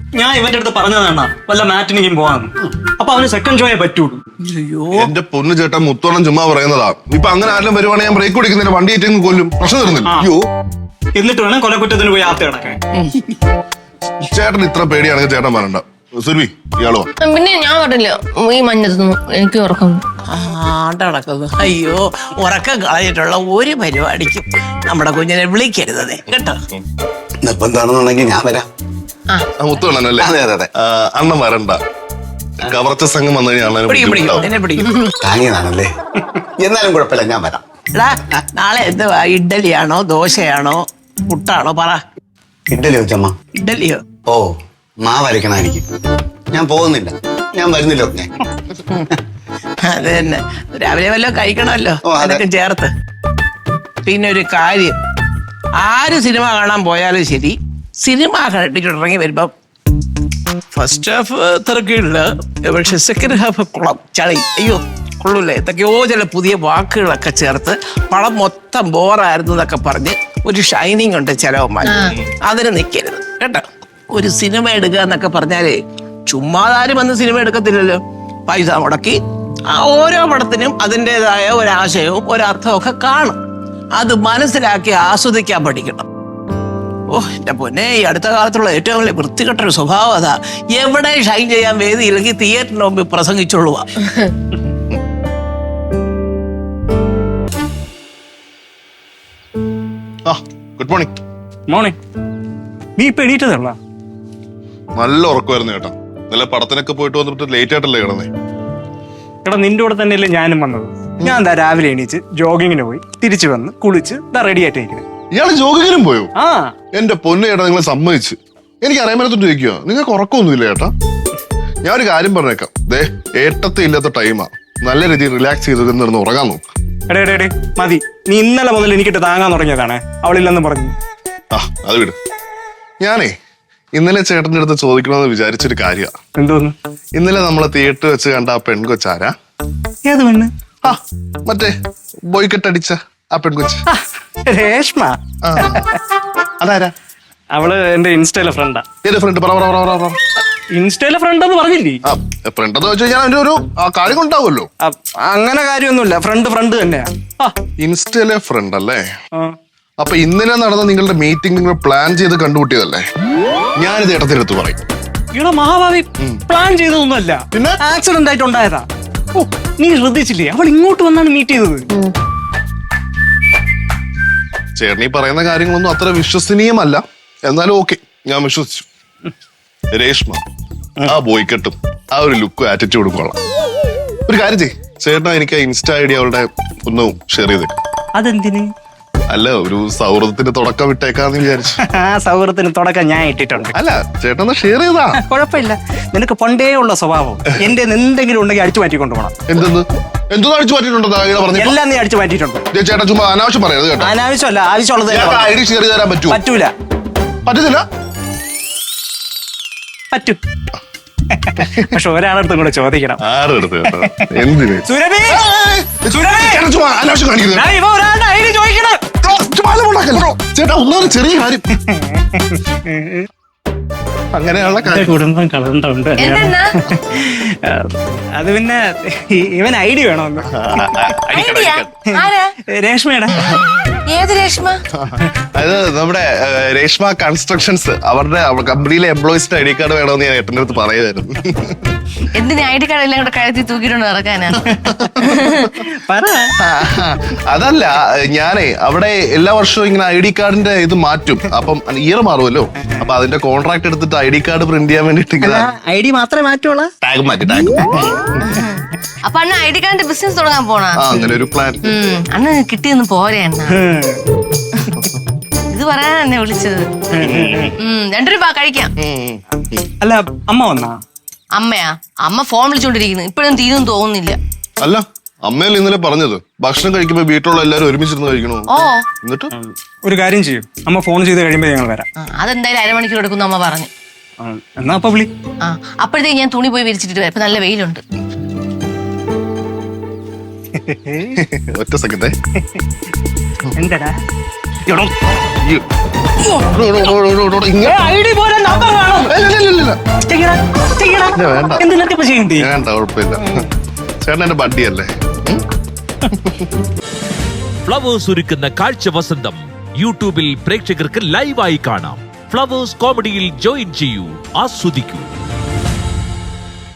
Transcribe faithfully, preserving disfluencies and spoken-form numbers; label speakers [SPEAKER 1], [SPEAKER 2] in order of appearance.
[SPEAKER 1] ഞാൻ ഇവന്റെ അടുത്ത് പറഞ്ഞതാണ് വല്ല മാറ്റിനിക്കും പോവാന്ന്. അപ്പൊ അവന് സെക്കൻഡ് ഷോയെ പറ്റൂളൂ.
[SPEAKER 2] എന്റെ പൊന്നു ചേട്ടൻ മുത്തോണം ചുമ്മാ പറയുന്നതാ. ഇപ്പൊ അങ്ങനെ ആരും വരുവാണെങ്കിൽ ഞാൻ ബ്രേക്ക് കൊടുക്കുന്നില്ല, വണ്ടി ഏറ്റവും കൊല്ലും, പ്രശ്നം തരുന്നില്ല. അയ്യോ,
[SPEAKER 1] എന്നിട്ട് വേണം കൊലക്കുറ്റത്തിന് പോയി ആത്ത കിടക്കാൻ.
[SPEAKER 2] ചേട്ടൻ ഇത്ര പേടിയാണെങ്കിൽ ചേട്ടൻ പറയണ്ട. സുരഭി, ഇയാളോ?
[SPEAKER 3] പിന്നെ ഞാൻ പറഞ്ഞില്ല ഈ മഞ്ഞത്തൊന്നും എനിക്ക് ഉറക്കം
[SPEAKER 4] ആണ്ടടക്കുന്നു. അയ്യോ, ഉറക്കം കളഞ്ഞിട്ടുള്ള ഒരു പരിപാടിക്കും നമ്മുടെ കുഞ്ഞിനെ വിളിക്കരുതേ കേട്ടോ.
[SPEAKER 5] നിർബന്ധമാണെന്നുണ്ടെങ്കിൽ ഞാൻ വരാം.
[SPEAKER 2] മുത്തോണല്ലേ?
[SPEAKER 5] അതെ അതെ അതെ.
[SPEAKER 2] അണ്ണൻ വരണ്ട, കവർച്ച സംഘം വന്നു കഴിഞ്ഞാൽ
[SPEAKER 5] താങ്ങിയതാണല്ലേ. എന്നാലും കുഴപ്പമില്ല, ഞാൻ വരാം.
[SPEAKER 4] എടാ, നാളെ എന്തുവാ? ഇഡ്ഡലിയാണോ ദോശയാണോ പുട്ടാണോ? പറ.
[SPEAKER 5] ഇഡ്ഡലി വെച്ചമ്മ.
[SPEAKER 4] ഇഡ്ഡലിയോ?
[SPEAKER 5] ഓ, മാവ് അരക്കണായിരിക്കും. ഞാൻ പോകുന്നില്ല, ഞാൻ വരുന്നില്ല. ഒക്കെ
[SPEAKER 4] അത് തന്നെ, രാവിലെ വല്ലതും കഴിക്കണമല്ലോ.
[SPEAKER 5] ഓ, അതെ.
[SPEAKER 4] അതൊക്കെ ചേർത്ത്. പിന്നെ ഒരു കാര്യം, ആര് സിനിമ കാണാൻ പോയാലും ശരി, സിനിമ കണ്ടിട്ടുണ്ടെങ്കിൽ വരുമ്പം ഫസ്റ്റ് ഹാഫ് തിരക്കില്ല, പക്ഷെ സെക്കൻഡ് ഹാഫ് കുളം ചളി. അയ്യോ കൊള്ളൂല്ലേ, എന്തൊക്കെയോ ചില പുതിയ വാക്കുകളൊക്കെ ചേർത്ത് പടം മൊത്തം ബോറായിരുന്നു എന്നൊക്കെ പറഞ്ഞ് ഒരു ഷൈനിങ് ഉണ്ട് ചിലവന്മാർ. അതിന് നിൽക്കരുത് കേട്ടോ. ഒരു സിനിമ എടുക്കുക എന്നൊക്കെ പറഞ്ഞാലേ ചുമ്മാതാരും വന്ന് സിനിമ എടുക്കത്തില്ലല്ലോ. പൈസ മുടക്കി ആ ഓരോ പടത്തിനും അതിൻ്റെതായ ഒരാശയവും ഒരർത്ഥവും ഒക്കെ കാണും. അത് മനസ്സിലാക്കി ആസ്വദിക്കാൻ പഠിക്കണം. ഓ എന്റെ പൊന്നെ, ഈ അടുത്ത കാലത്തുള്ള ഏറ്റവും വലിയ വൃത്തികെട്ടൊരു സ്വഭാവം അതാ. എവിടെ ഷൈൻ ചെയ്യാൻ വേദിയില്ലെങ്കിൽ തിയേറ്ററിന് മുമ്പിൽ പ്രസംഗിച്ചോളുക.
[SPEAKER 2] Good morning.
[SPEAKER 1] മോർണിംഗ്. നീ ഇപ്പൊ എണീറ്റതല്ല?
[SPEAKER 2] നല്ല ഉറക്കമായിരുന്നു ചേട്ടാ. നല്ല പടത്തിനൊക്കെ പോയിട്ട് വന്നിട്ട് ലേറ്റ് ആയിട്ടല്ലേ കിടന്നേ?
[SPEAKER 1] എടാ, നിന്റെ കൂടെ തന്നെയല്ലേ ഞാനും വന്നത്. ഞാൻ എന്താ രാവിലെ എണീച്ച് ജോഗിങ്ങിന് പോയി തിരിച്ചു വന്ന് കുളിച്ച് റെഡി ആയിട്ടിരിക്കുന്നത്.
[SPEAKER 2] ഇയാള് ജോഗിങ്ങിനും പോയോ?
[SPEAKER 1] ആ,
[SPEAKER 2] എന്റെ പൊന്നു ചേട്ടാ, നിങ്ങളെ സമ്മതിച്ച്. എനിക്ക് അറിയാൻ പറ്റത്തോട്ട് ചോദിക്കുക, നിങ്ങൾക്ക് ഉറക്കമൊന്നുമില്ല ചേട്ടാ? ഞാൻ ഒരു കാര്യം പറഞ്ഞേക്കാം. ദേ, ഏട്ടത്തെ ഇല്ലാത്ത ടൈമാ. നല്ല രീതിയിൽ റിലാക്സ് ചെയ്ത് നടന്ന് ഉറങ്ങാൻ നോക്ക്.
[SPEAKER 1] എടേ എടേ എടേ മതി. നീ ഇന്നലെ മുതൽ എനിക്കിട്ട് താങ്ങാൻ തുടങ്ങിയതാണ്. അവളില്ലെന്ന് പറഞ്ഞു.
[SPEAKER 2] ആ, അത് വിട്. ഞാനേ ഇന്നലെ ചേട്ടന്റെ അടുത്ത് ചോദിക്കണമെന്ന് വിചാരിച്ചൊരു കാര്യമാണ്.
[SPEAKER 1] എന്തോന്ന്?
[SPEAKER 2] ഇന്നലെ നമ്മളെ തിയേറ്റർ വെച്ച് കണ്ട ആ പെൺകൊച്ചാരാ?
[SPEAKER 1] ഏത് പെണ്ണ്?
[SPEAKER 2] ആ, മറ്റേ ബോയ്ക്കെട്ടടിച്ച ആ പെൺകൊച്ച്.
[SPEAKER 1] രേഷ്മ.
[SPEAKER 2] ആ, അതാരാ?
[SPEAKER 1] അവള് എന്റെ ഇൻസ്റ്റയിലെ ഫ്രണ്ടാ.
[SPEAKER 2] ഏത് ഫ്രണ്ട്? പറ പറ പറ പറ.
[SPEAKER 1] ഇൻസ്റ്റയിലെ ഫ്രണ്ട് എന്ന് പറഞ്ഞില്ലേ?
[SPEAKER 2] ആ, ഫ്രണ്ട് എന്ന് വെച്ച് കഴിഞ്ഞാൽ അതിന്റെ ഒരു കാര്യം ഉണ്ടാവുമല്ലോ.
[SPEAKER 1] അങ്ങനെ കാര്യമൊന്നുമില്ല, ഫ്രണ്ട് ഫ്രണ്ട് തന്നെയാ.
[SPEAKER 2] ഇൻസ്റ്റയിലെ ഫ്രണ്ട് അല്ലേ?
[SPEAKER 1] ആ.
[SPEAKER 2] അപ്പൊ ഇന്നലെ നടന്ന നിങ്ങളുടെ മീറ്റിംഗ് നിങ്ങൾ പ്ലാൻ ചെയ്ത് കണ്ടുകൂട്ടിയതല്ലേ? ഞാനിത് ഏട്ടത്തിനടുത്ത് പറയും.
[SPEAKER 1] ഇവിടെ മഹാഭാവി പ്ലാൻ ചെയ്തതൊന്നുമല്ല,
[SPEAKER 2] പിന്നെ
[SPEAKER 1] ആക്സിഡന്റ് ആയിട്ട് ഉണ്ടായതാ. ഓ, നീ ശ്രദ്ധിച്ചില്ലേ? അവൾ ഇങ്ങോട്ട് വന്നാണ് മീറ്റ് ചെയ്തത്.
[SPEAKER 2] ചേട്ടൻ ഈ പറയുന്ന കാര്യങ്ങളൊന്നും അത്ര വിശ്വസനീയമല്ല. എന്നാലും ഓക്കെ, ഞാൻ വിശ്വസിച്ചു. രേഷ്മ ആ ബോയ്ക്കെട്ടും ആ ഒരു ലുക്കും ആറ്റിറ്റ്യൂഡും കൊള്ളാം. ഒരു കാര്യം ചെയ്യ്, ചേട്ടൻ എനിക്ക് ഇൻസ്റ്റ ഐ ഡി അവളുടെ ഒന്ന് ഷെയർ ചെയ്തേക്കും.
[SPEAKER 1] അതെന്തിന്?
[SPEAKER 2] അല്ല, ഒരു സൗഹൃദത്തിന്റെ തുടക്കം വിട്ടേക്കാന്ന് വിചാരിച്ചു.
[SPEAKER 1] ആ സൗഹൃദത്തിന് തുടക്കം ഞാൻ ഇട്ടിട്ടുണ്ട്.
[SPEAKER 2] അല്ല, ചേട്ടൻ ഷെയർ ചെയ്താ
[SPEAKER 1] കുഴപ്പമില്ല. നിനക്ക് പണ്ടേ ഉള്ള സ്വഭാവം എന്റെ എന്തെങ്കിലും ഉണ്ടെങ്കിൽ അടിച്ചു മാറ്റി കൊണ്ടുപോകണം.
[SPEAKER 2] എന്തെന്ന് എന്തോ അടിച്ചു മാറ്റിയിട്ടുണ്ടോ?
[SPEAKER 1] എല്ലാം നീ അടിച്ചു മാറ്റിയിട്ടുണ്ട്.
[SPEAKER 2] ചേട്ടാ ചുമ്മാ അനാവശ്യം പറയരുത് കേട്ടോ.
[SPEAKER 1] അനാവശ്യമല്ല, ആവശ്യമുള്ളത്
[SPEAKER 2] ഐ ഡി ഷെയർ ചെയ്ത് തരാൻ പറ്റൂ?
[SPEAKER 1] പറ്റൂല.
[SPEAKER 2] പറ്റത്തില്ല?
[SPEAKER 1] പറ്റൂ. പക്ഷെ ഒരാളടുത്തും കൂടെ ചോദിക്കണം.
[SPEAKER 2] ആരെടുത്ത്? എന്തിന്?
[SPEAKER 1] സുരഭി,
[SPEAKER 2] അനാവശ്യം കാണിക്കുന്നത്.
[SPEAKER 1] ഞാൻ ഇവ ഒരാളുടെ ഐഡി ചോദിക്കണം.
[SPEAKER 2] ചേട്ടാ ഒന്നാമത് ചെറിയ കാര്യം. അങ്ങനെയുള്ള കാര്യം
[SPEAKER 1] കുടുംബം കളണ്ടുണ്ട്.
[SPEAKER 3] എന്തെന്നാ
[SPEAKER 1] അത് പിന്നെ ഇവൻ ഐഡി വേണമെന്ന്.
[SPEAKER 3] ഐഡിയ? ആരാ?
[SPEAKER 1] രേഷ്മയുടെ.
[SPEAKER 3] ഏത് രേഷ്മ?
[SPEAKER 2] അത് നമ്മുടെ രേഷ്മ കൺസ്ട്രക്ഷൻസ്, അവരുടെ കമ്പനിയിലെ എംപ്ലോയീസിന്റെ ഐ ഡി കാർഡ് വേണമെന്ന് ഞാൻ ഏട്ടൻ്റെ അടുത്ത് പറയുമായിരുന്നു.
[SPEAKER 3] എന്തിനാ ഐ ഡി കാർഡ് എല്ലാം കൂടെ കഴുത്തി തൂക്കിയിട്ടുണ്ട് നടക്കാനാ?
[SPEAKER 1] പറ.
[SPEAKER 2] അതല്ല, ഞാനേ അവിടെ എല്ലാ വർഷവും ഇങ്ങനെ ഐ ഡി കാർഡിന്റെ ഇത് മാറ്റും. അപ്പം ഇയർ മാറുമല്ലോ. അപ്പൊ അതിന്റെ കോൺട്രാക്ട് എടുത്തിട്ട് ഐ ഡി കാർഡ് പ്രിന്റ് ചെയ്യാൻ വേണ്ടിട്ട്
[SPEAKER 1] ഐ ഡി മാത്രമേ മാറ്റുള്ളൂ.
[SPEAKER 2] ടാഗ് മാറ്റി ടാഗ്.
[SPEAKER 3] അപ്പൊ അണ്ണ ഐ ഡി കാർഡിന്റെ ബിസിനസ് തുടങ്ങാൻ പോണാ?
[SPEAKER 2] അങ്ങനെ ഒരു പ്ലാൻ.
[SPEAKER 3] അണ്ണ കിട്ടിയെന്ന് പോരെ അണ്ണ? ഇത് പറയാനാ എന്നെ വിളിച്ചത്. രണ്ടു രൂപ കഴിക്കാം.
[SPEAKER 1] അല്ല, അമ്മ വന്നാ?
[SPEAKER 3] അമ്മയാ? അമ്മ ഫോൺ വിളിച്ചോണ്ടിരിക്കുന്നു. ഇപ്പഴും തീരും തോന്നുന്നില്ല.
[SPEAKER 2] അല്ല, അമ്മയല്ലേ ഇന്നലെ പറഞ്ഞത് ഭക്ഷണം കഴിക്കുമ്പോ വീട്ടിലുള്ള എല്ലാരും ഒരുമിച്ചിരുന്ന് കഴിക്കണോ?
[SPEAKER 3] ഓ,
[SPEAKER 2] എന്നിട്ട്
[SPEAKER 1] ഒരു കാര്യം ചെയ്യും, അമ്മ ഫോൺ ചെയ്ത് കഴിയുമ്പോ ഞങ്ങൾ വരാം.
[SPEAKER 3] അതെന്തായാലും അരമണിക്കൂർ എടുക്കും അമ്മ പറഞ്ഞു.
[SPEAKER 1] എന്നാ അപ്പൊ വിളി.
[SPEAKER 3] ആ, അപ്പോഴത്തേക്ക് ഞാൻ തുണി പോയി വിരിച്ചിട്ട് വരാം. ഇപ്പൊ നല്ല വെയിലുണ്ട്.
[SPEAKER 2] ഒറ്റ സെക്കൻഡേ.
[SPEAKER 1] എന്താടാ?
[SPEAKER 2] എടോ, ഈ- എടോ, എടോ, എടോ, എടോ, എടോ, ഇങ്ങ-
[SPEAKER 1] ഐ ഡി പോലെ നമ്പർ വേണം.
[SPEAKER 2] ഇല്ല, ഇല്ല, ഇല്ല, ഇല്ല.
[SPEAKER 1] ചെയ്യടാ, ചെയ്യടാ.
[SPEAKER 2] ഇല്ല, വേണ്ട.
[SPEAKER 1] എന്തിനൊക്കെ ഇപ്പൊ ചെയ്യണ്ടേ?
[SPEAKER 2] വേണ്ട, കുഴപ്പമില്ല. ചേട്ടൻ എന്റെ ബഡ്ഡിയല്ലേ?
[SPEAKER 6] ഫ്ലവേഴ്സ് ഒരുക്കുന്ന കാഴ്ച വസന്തം യൂട്യൂബിൽ പ്രേക്ഷകർക്ക് ലൈവായി കാണാം. ഫ്ലവേഴ്സ് കോമഡിയിൽ ജോയിൻ ചെയ്യൂ, ആസ്വദിക്കൂ.